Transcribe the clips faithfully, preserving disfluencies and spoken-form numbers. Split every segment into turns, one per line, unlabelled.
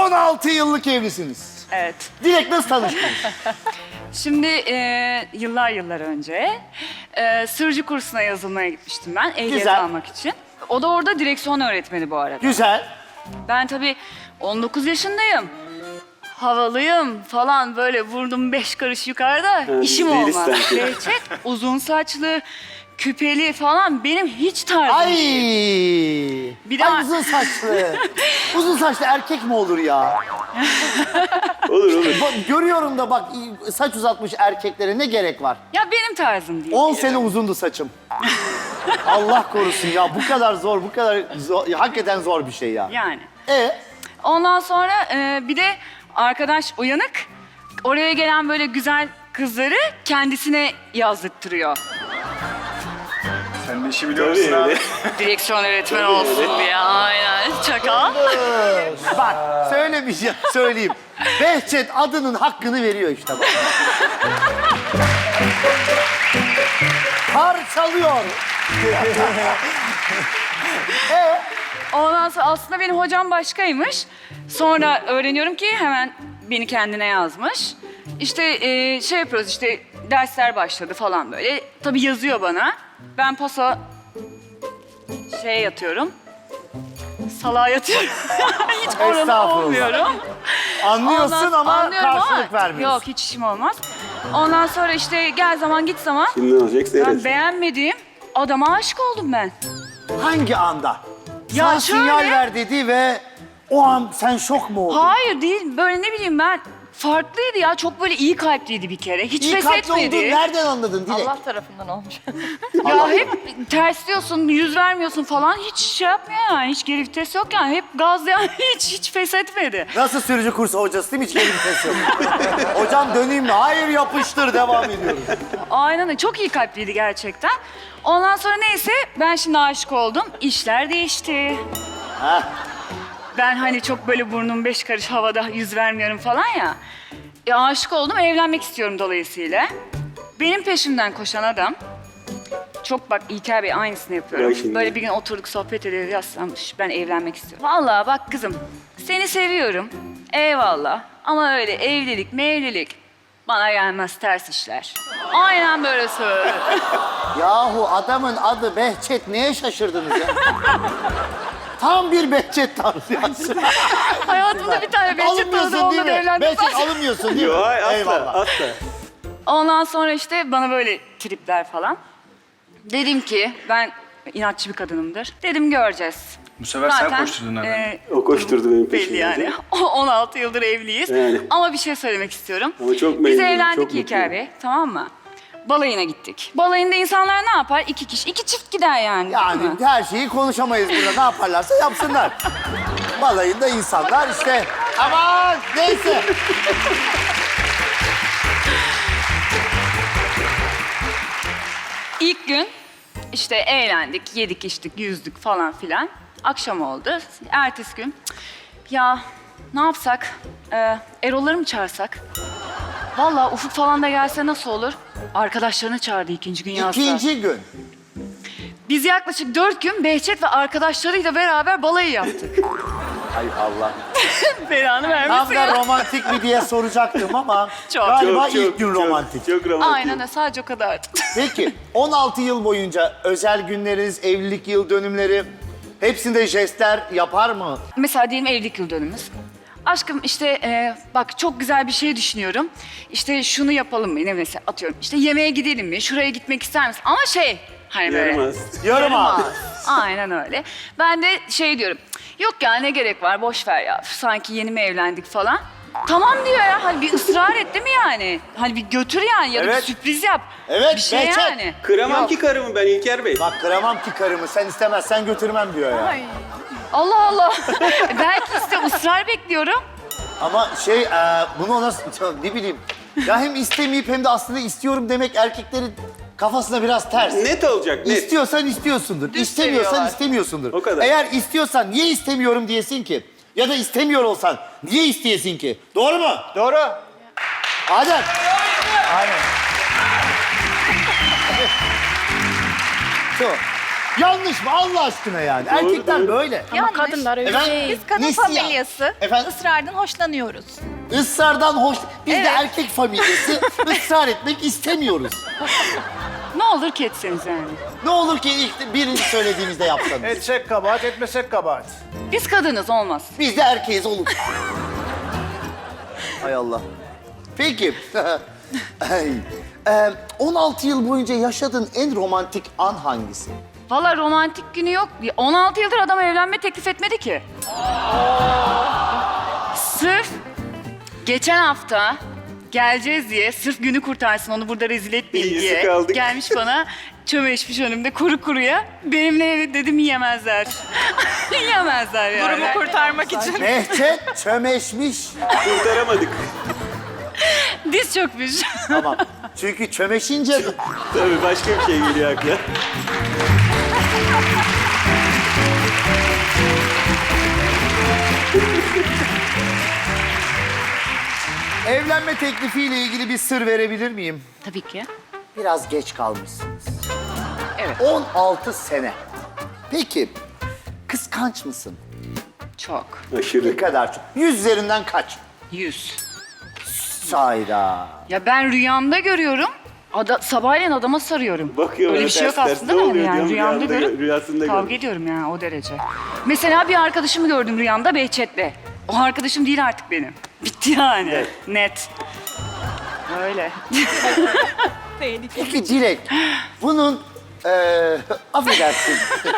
on altı yıllık evlisiniz.
Evet.
Dilek nasıl tanıştınız?
Şimdi e, yıllar yıllar önce e, sırcı kursuna yazılmaya gitmiştim ben ehliyet
Güzel.
almak için. O da orada direksiyon öğretmeni bu arada.
Güzel.
Ben tabii on dokuz yaşındayım. Havalıyım falan böyle vurdum beş karış yukarıda. İşim
deli
olmaz.
sen.
Behçet uzun saçlı, küpeli falan benim hiç tarzım
Ay.
değil. Bir de-
Ay uzun saçlı. Uzun saçlı erkek mi olur ya?
Olur olur.
Bak, görüyorum da bak saç uzatmış erkeklere ne gerek var?
Ya benim tarzım değil.
on sene uzundu saçım. Allah korusun ya bu kadar zor, bu kadar zor, ya, hakikaten zor bir şey ya.
Yani.
E
Ondan sonra e, bir de arkadaş uyanık. Oraya gelen böyle güzel kızları kendisine yazdırtırıyor.
Sen de işi biliyor musun abi?
Direksiyon öğretmeni olsun diye. Aynen. Çakal.
bak söylemeyeceğim, söyleyeyim. Behçet adının hakkını veriyor işte bak. Parçalıyor.
Ondan sonra aslında benim hocam başkaymış. Sonra öğreniyorum ki hemen beni kendine yazmış. İşte e, şey yapıyoruz işte dersler başladı falan böyle. Tabii yazıyor bana. Ben pasa şey yatıyorum. Salağa yatıyorum. Hiç oralı
Estağfurullah.
olmuyorum.
Anlıyorsun
Ondan-
ama
anlıyorum ama
karşılık vermiyorsun.
Yok hiç işim olmaz. Ondan sonra işte gel zaman git zaman.
Şimdi ne olacak
Ben
seyret.
beğenmediğim adama aşık oldum ben.
Hangi anda?
Ya
Sana
şöyle-
sinyal ver dedi ve o an sen şok mu oldun?
Hayır değil. Böyle ne bileyim ben farklıydı ya. Çok böyle iyi kalpliydi bir kere. Hiç
İyi
pes
kalpli olduğunu
etmedi.
nereden anladın Dilek?
Allah tarafından olmuş.
Ya hep tersliyorsun, yüz vermiyorsun falan. Hiç şey yapmıyor yani. Hiç geri vites yok yani. Hep gaz yani. Hiç hiç pes etmedi.
Nasıl sürücü kursu hocası değil mi? Hiç geri vites yok. Hocam döneyim mi? Hayır yapıştır devam ediyoruz.
Aynen öyle. Çok iyi kalpliydi gerçekten. Ondan sonra neyse ben şimdi aşık oldum. İşler değişti.
Heh.
Ben hani çok böyle burnum beş karış havada yüz vermiyorum falan ya. E, aşık oldum, evlenmek istiyorum dolayısıyla. Benim peşimden koşan adam, çok bak İlker Bey aynısını yapıyorum.
Bak şimdi.
Böyle bir gün oturduk sohbet ediyoruz, yaslanmış, ben evlenmek istiyorum. Vallahi bak kızım, seni seviyorum, eyvallah. Ama öyle evlilik mevlilik bana gelmez, ters işler. Aynen böyle söyledi.
Yahu adamın adı Behçet. Neye şaşırdınız ya? Tam bir Behçet tavsiyesi.
Hayatımda bir tane Behçet tanıdım,
Alınmıyorsun değil
onunla da
mi?
evlendim.
Behçet alınmıyorsun değil mi?
Yok hayır asla
Eyvallah.
asla.
Ondan sonra işte bana böyle tripler falan. Dedim ki ben inatçı bir kadınımdır. Dedim göreceğiz.
Bu sefer sen koşturdun herhalde.
e,
O koşturdu benim
belli
peşimden.
yani. on altı yıldır evliyiz.
Yani.
Ama bir şey söylemek istiyorum.
Ama çok
Biz
memnunum,
evlendik
çok
İlker
mutluyum.
Bey, tamam mı? Balayına gittik. Balayında insanlar ne yapar? İki kişi, iki çift gider yani.
Yani
değil mi?
her şeyi konuşamayız burada. Ne yaparlarsa yapsınlar. Balayında insanlar işte. Aman neyse.
İlk gün işte eğlendik, yedik, içtik, yüzdük falan filan. Akşam oldu. Ertesi gün "Cık, ya ne yapsak? Ee, Erol'ları mı çağırsak? Vallahi Ufuk falan da gelse nasıl olur? Arkadaşlarını çağırdı ikinci gün yazsa.
İkinci gün.
Biz yaklaşık dört gün Behçet ve arkadaşlarıyla beraber balayı yaptık.
Ay Allah.
Belanı
Tam
vermesin
da
ya.
romantik mi diye soracaktım ama
Çok.
galiba
Çok,
ilk
çok,
gün
çok,
romantik.
Çok romantik.
Aynen öyle, sadece o kadar.
Peki on altı yıl boyunca özel günleriniz, evlilik yıl dönümleri hepsinde jestler yapar mı?
Mesela diyelim evlilik yıl dönümümüz. Aşkım işte e, bak çok güzel bir şey düşünüyorum. İşte şunu yapalım mı? Ne mesela atıyorum. İşte yemeğe gidelim mi? Şuraya gitmek ister misin? Ama şey hani böyle.
Yaramaz.
Yarım ağız.
Aynen öyle. Ben de şey diyorum. Yok ya ne gerek var boş ver ya. Sanki yeni mi evlendik falan. Tamam diyor ya. Hani bir ısrar et değil mi yani? Hani bir götür yani ya da
Evet.
bir sürpriz yap.
Evet,
Bir şey
Behçet.
yani.
Kıramam
Yok.
ki karımı ben İlker Bey.
Bak kıramam ki karımı, sen istemezsen götürmem diyor ya.
Ay. Allah Allah. Belki işte ısrar bekliyorum.
Ama şey, e, bunu ona ne bileyim. Ya hem istemeyip hem de aslında istiyorum demek erkeklerin kafasına biraz ters.
Net olacak net.
İstiyorsan istiyorsundur,
Düz
istemiyorsan
seviyorlar.
istemiyorsundur.
O kadar.
Eğer istiyorsan niye istemiyorum diyesin ki? Ya da istemiyor olsan niye isteyesin ki? Doğru mu? Doğru. Adem. Aynen. Şu. Yanlış mı Allah aşkına yani? Erkekler
doğru.
böyle.
Ama kadınlar öyle
Efendim?
değil.
Biz kadın
Neslihan.
familyası
Efendim?
ısrardan hoşlanıyoruz.
Isrardan hoş... Biz de
Evet.
erkek familyası ısrar etmek istemiyoruz.
Ne olur ki etseniz yani.
Ne olur ki ilk birinci söylediğimizde yapsanız.
Etsek kabahat, etmesek kabahat.
Biz kadınız olmaz.
Biz de erkeğiz olur. Hay Allah. Peki. Ay, e, on altı yıl boyunca yaşadığın en romantik an hangisi?
Valla romantik günü yok. on altı yıldır adam evlenme teklif etmedi ki. Sırf geçen hafta geleceğiz diye, sırf günü kurtarsın onu burada rezil etmeyin
İyi,
diye
sık aldık.
gelmiş bana çömeşmiş önümde kuru kuruya. Benimle evli dedim yiyemezler. Yiyemezler yani.
Durumu kurtarmak için.
Behçet çömeşmiş.
Kurtaramadık.
Diz çökmüş.
Tamam. Çünkü çömeşince...
Tabii başka bir şey geliyor akla.
Evlenme teklifiyle ilgili bir sır verebilir miyim?
Tabii ki.
Biraz geç kalmışsınız.
Evet.
on altı sene. Peki, kıskanç mısın?
Çok.
Ne
Aşırı.
kadar çok? Yüz üzerinden kaç?
Yüz.
Sayda.
Ya ben rüyamda görüyorum. Ada, sabahleyin adama sarıyorum.
Bakıyor
Öyle
bana
bir şey yok
ters ters,
aslında
ne
da
oluyor
yani
diyorum,
rüyamda
rüyamda
görüp
gör- rüyasında
kavga
görüyorum.
ediyorum yani o derece. Mesela bir arkadaşımı gördüm rüyamda Behçet'le. O arkadaşım değil artık benim. Bitti yani. Net. Öyle.
Peki Dilek, bunun eee affedersin.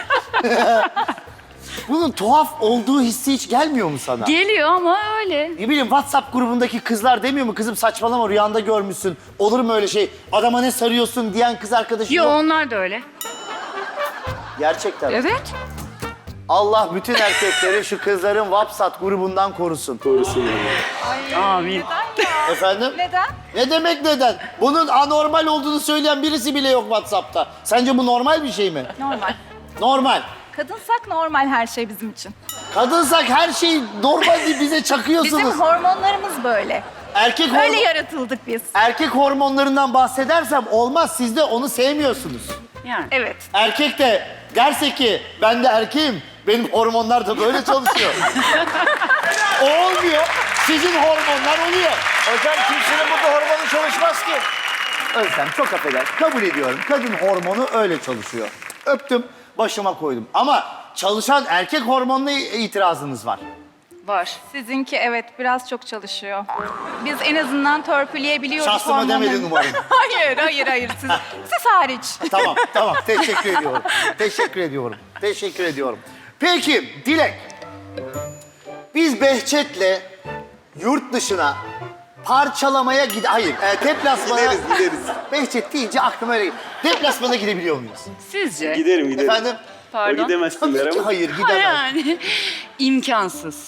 Bunun tuhaf olduğu hissi hiç gelmiyor mu sana?
Geliyor ama öyle.
Ne bileyim WhatsApp grubundaki kızlar demiyor mu kızım saçmalama rüyanda görmüşsün. Olur mu öyle şey? Adama ne sarıyorsun diyen kız arkadaşın
Yo
yok.
onlar da öyle.
Gerçekten.
Evet.
Allah bütün erkekleri şu kızların WhatsApp grubundan korusun.
Korusun yani.
Amin.
Efendim?
Neden?
Ne demek neden? Bunun anormal olduğunu söyleyen birisi bile yok WhatsApp'ta. Sence bu normal bir şey mi?
Normal.
Normal.
Kadınsak normal her şey bizim için.
Kadınsak her şey normal değil bize çakıyorsunuz.
Bizim hormonlarımız böyle.
Erkek
Öyle
hormon...
yaratıldık biz.
Erkek hormonlarından bahsedersem olmaz. Siz de onu sevmiyorsunuz.
Yani.
Evet.
Erkek de derse ki ben de erkeğim, benim hormonlar da böyle çalışıyor. O olmuyor, sizin hormonlar oluyor.
Hocam kimsenin burada hormonu çalışmaz ki.
Özlem çok affeder, kabul ediyorum. Kadın hormonu öyle çalışıyor. Öptüm, başıma koydum. Ama çalışan erkek hormonuna itirazınız var.
Var.
Sizinki evet biraz çok çalışıyor. Biz en azından törpüleyebiliyoruz
Şahsıma
hormonları.
demedin umarım.
Hayır, hayır, hayır. Siz, siz hariç.
Tamam, tamam. Teşekkür ediyorum. Teşekkür ediyorum. Teşekkür ediyorum. Peki, Dilek. Biz Behçet'le yurt dışına parçalamaya gid... Hayır, e, deplasmana...
Gideriz, gideriz.
Behçet deyince aklıma öyle... Deplasmana gidebiliyor muyuz?
Sizce?
Giderim giderim.
Efendim?
O
Pardon.
gidemezsinler
Tabii ki
ama.
hayır,
Ha,
gidemez.
yani imkansız.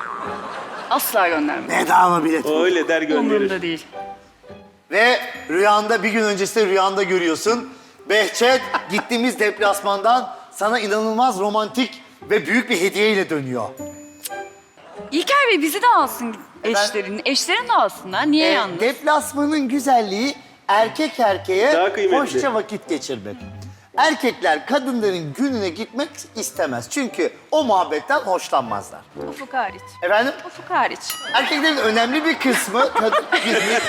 Asla göndermem.
Bedava bilet.
O öyle der gönderir.
Umurumda değil.
Ve rüyanda, bir gün öncesinde rüyanda görüyorsun. Behçet gittiğimiz deplasmandan sana inanılmaz romantik ve büyük bir hediyeyle dönüyor.
İlker Bey bizi de alsın eşlerin. Eşlerini de alsınlar. Niye
Ee,
yalnız?
deplasmanın güzelliği erkek erkeğe
Daha kıymetli.
hoşça vakit geçirmek. Erkekler kadınların gününe gitmek istemez. Çünkü o muhabbetten hoşlanmazlar.
Ufuk hariç.
Efendim?
Ufuk hariç.
Erkeklerin önemli bir kısmı kadın günü.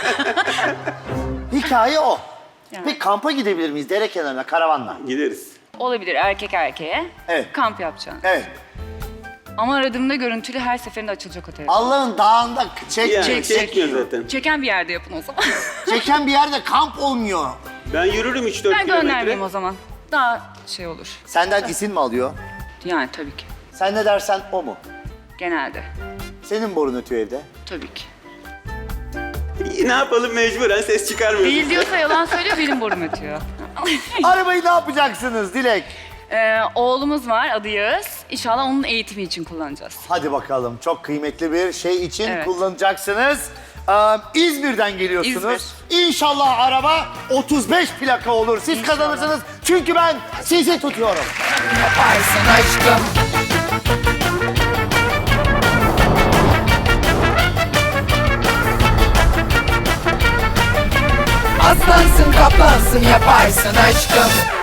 Hikaye o.
Yani.
Peki kampa gidebilir miyiz? Dere kenarına, karavanla.
Gideriz.
Olabilir erkek erkeğe.
Evet.
Kamp yapacaksın.
Evet.
Ama aradığımda görüntülü her seferinde açılacak otel.
Allah'ın dağında çek,
Yani
çek,
çekmiyor zaten.
Çeken bir yerde yapın o zaman.
çeken bir yerde kamp olmuyor.
Ben yürürüm üç dört
Ben
kilometre.
göndermeyeyim o zaman. Daha şey olur.
Senden izin mi alıyor?
Yani tabii ki.
Sen ne dersen o mu?
Genelde.
Senin borun ötüyor evde.
Tabii ki.
İyi, ne yapalım mecburen ses çıkarmıyoruz.
Değil diyorsa yalan söylüyor, benim borum ötüyor.
Arabayı ne yapacaksınız Dilek?
Ee, oğlumuz var, adı Yağız. İnşallah onun eğitimi için kullanacağız.
Hadi bakalım. Çok kıymetli bir şey için
Evet.
kullanacaksınız. Ee, İzmir'den geliyorsunuz. İnşallah araba otuz beş plaka olur. Siz
İnşallah.
kazanırsınız. Çünkü ben sizi tutuyorum.
Yaparsın aşkım. Aslansın kaplansın yaparsın aşkım.